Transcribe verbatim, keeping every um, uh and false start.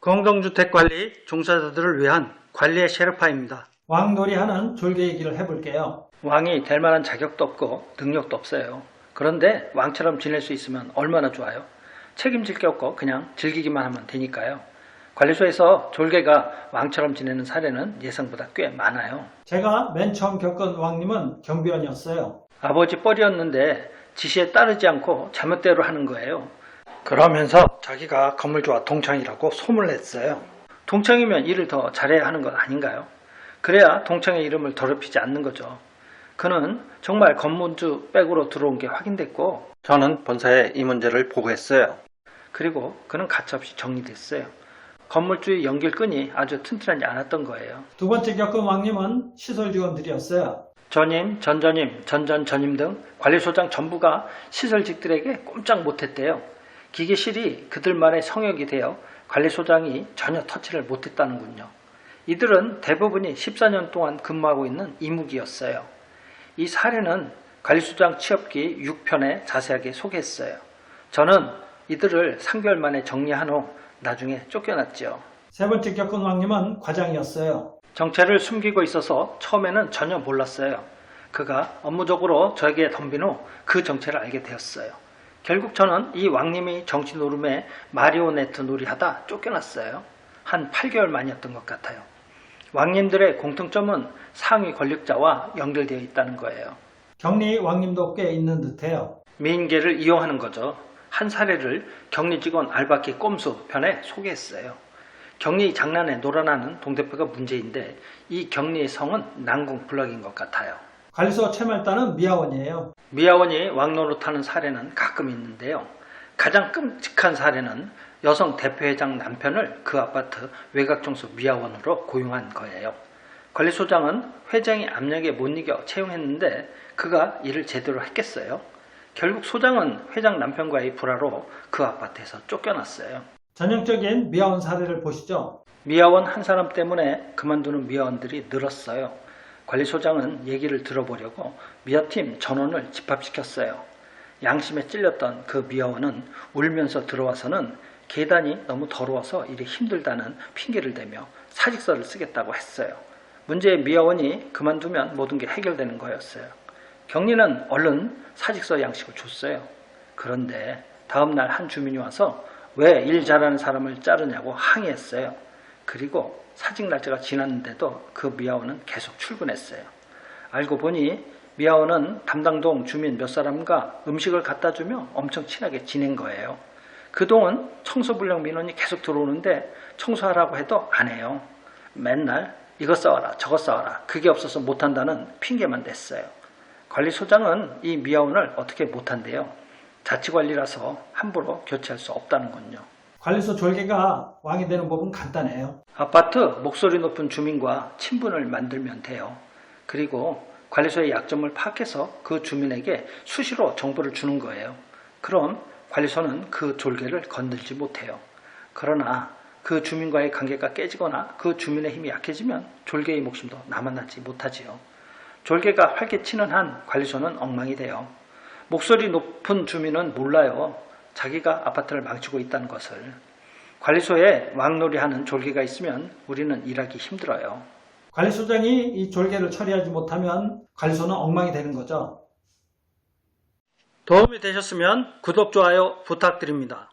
공동주택관리 종사자들을 위한 관리의 셰르파입니다. 왕놀이하는 졸개 얘기를 해볼게요. 왕이 될 만한 자격도 없고 능력도 없어요. 그런데 왕처럼 지낼 수 있으면 얼마나 좋아요. 책임질 게 없고 그냥 즐기기만 하면 되니까요. 관리소에서 졸개가 왕처럼 지내는 사례는 예상보다 꽤 많아요. 제가 맨 처음 겪은 왕님은 경비원이었어요. 아버지 뻘이었는데 지시에 따르지 않고 자멋대로 하는 거예요. 그러면서 자기가 건물주와 동창이라고 소문냈어요. 동창이면 일을 더 잘해야 하는 것 아닌가요? 그래야 동창의 이름을 더럽히지 않는 거죠. 그는 정말 건물주 백으로 들어온 게 확인됐고 저는 본사에 이 문제를 보고했어요. 그리고 그는 가차없이 정리됐어요. 건물주의 연결끈이 아주 튼튼하지 않았던 거예요. 두 번째 겪은 왕님은 시설 직원들이었어요. 전임, 전전임, 전전전임 등 관리소장 전부가 시설직들에게 꼼짝 못했대요. 기계실이 그들만의 성역이 되어 관리소장이 전혀 터치를 못했다는군요. 이들은 대부분이 십사 년 동안 근무하고 있는 이무기였어요. 이 사례는 관리소장 취업기 육 편에 자세하게 소개했어요. 저는 이들을 삼 개월 만에 정리한 후 나중에 쫓겨났죠. 세 번째 겪은 왕님은 과장이었어요. 정체를 숨기고 있어서 처음에는 전혀 몰랐어요. 그가 업무적으로 저에게 덤빈 후 그 정체를 알게 되었어요. 결국 저는 이 왕님이 정치 노름에 마리오네트 놀이하다 쫓겨났어요. 한 팔 개월 만이었던 것 같아요. 왕님들의 공통점은 상위 권력자와 연결되어 있다는 거예요. 격리 왕님도 꽤 있는 듯해요. 미인계를 이용하는 거죠. 한 사례를 격리 직원 알바키 꼼수 편에 소개했어요. 격리 장난에 놀아나는 동대표가 문제인데 이 격리의 성은 난공불락인 것 같아요. 관리소 채말단은 미아원이에요. 미아원이 왕노릇하는 사례는 가끔 있는데요. 가장 끔찍한 사례는 여성 대표회장 남편을 그 아파트 외곽청소 미아원으로 고용한 거예요. 관리소장은 회장의 압력에 못 이겨 채용했는데 그가 일을 제대로 했겠어요? 결국 소장은 회장 남편과의 불화로 그 아파트에서 쫓겨났어요. 전형적인 미아원 사례를 보시죠. 미아원 한 사람 때문에 그만두는 미아원들이 늘었어요. 관리소장은 얘기를 들어보려고 미아팀 전원을 집합시켰어요. 양심에 찔렸던 그 미아원은 울면서 들어와서는 계단이 너무 더러워서 일이 힘들다는 핑계를 대며 사직서를 쓰겠다고 했어요. 문제의 미아원이 그만두면 모든 게 해결되는 거였어요. 격리는 얼른 사직서 양식을 줬어요. 그런데 다음날 한 주민이 와서 왜 일 잘하는 사람을 자르냐고 항의했어요. 그리고 사직 날짜가 지났는데도 그 미아원은 계속 출근했어요. 알고 보니 미아원은 담당동 주민 몇 사람과 음식을 갖다 주며 엄청 친하게 지낸 거예요. 그동안 청소불량 민원이 계속 들어오는데 청소하라고 해도 안 해요. 맨날 이것 싸와라 저것 싸와라 그게 없어서 못한다는 핑계만 댔어요. 관리소장은 이 미아원을 어떻게 못한대요. 자치관리라서 함부로 교체할 수 없다는군요. 관리소 졸개가 왕이 되는 법은 간단해요. 아파트 목소리 높은 주민과 친분을 만들면 돼요. 그리고 관리소의 약점을 파악해서 그 주민에게 수시로 정보를 주는 거예요. 그럼 관리소는 그 졸개를 건들지 못해요. 그러나 그 주민과의 관계가 깨지거나 그 주민의 힘이 약해지면 졸개의 목숨도 남아나지 못하지요. 졸개가 활개치는 한 관리소는 엉망이 돼요. 목소리 높은 주민은 몰라요. 자기가 아파트를 망치고 있다는 것을. 관리소에 왕놀이하는 졸개가 있으면 우리는 일하기 힘들어요. 관리소장이 이 졸개를 처리하지 못하면 관리소는 엉망이 되는 거죠. 도움이 되셨으면 구독, 좋아요 부탁드립니다.